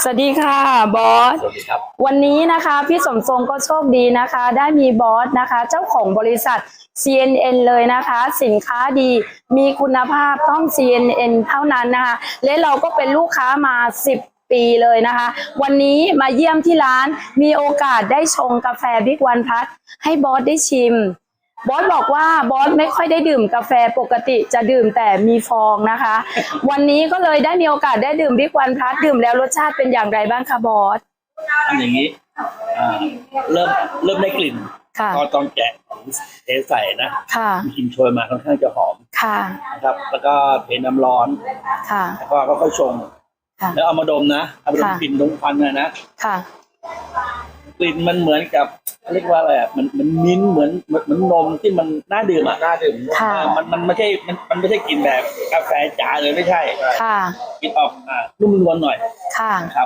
สวัสดีค่ะบอสสวัสดีครับวันนี้นะคะพี่สมทรงก็โชคดีนะคะ ได้มีบอสนะคะ เจ้าของบริษัท CNN เลยนะคะ สินค้าดีมีคุณภาพต้อง CNN เท่านั้นนะคะ และเราก็เป็นลูกค้ามา10 ปีเลยนะคะ วันนี้มาเยี่ยมที่ร้านมีโอกาสได้ชงกาแฟบิ๊กวันพัทให้บอสได้ชิม บอสบอกว่าบอสไม่ค่อยได้ดื่มกาแฟปกติจะดื่มแต่มีฟองนะคะ วันนี้ก็เลยได้มีโอกาสได้ดื่มบิ๊กวันพลัสดื่มแล้วรสชาติเป็นอย่างไรบ้างคะบอสอันอย่างนี้อ่าเริ่มได้กลิ่นค่ะก็ตอนแกะของเทใส่นะค่ะมีกลิ่นโชยมาค่อนข้างจะหอมค่ะนะครับ แล้วก็เทน้ำร้อนค่ะแล้วก็ค่อยๆชงค่ะแล้วเอามาดมนะเอามาดมค่ะกลิ่นดมควันนะค่ะกลิ่นมันเหมือนกับเรียกว่าอะไรอ่ะมันมิ้นท์เหมือนนมที่มันน่าดื่มอ่ะน่าดื่มค่ะมันไม่ใช่มันไม่ใช่กลิ่นแบบกาแฟจ๋าเลยไม่ใช่ค่ะกลิ่นออกนุ่มนวลหน่อยค่ะ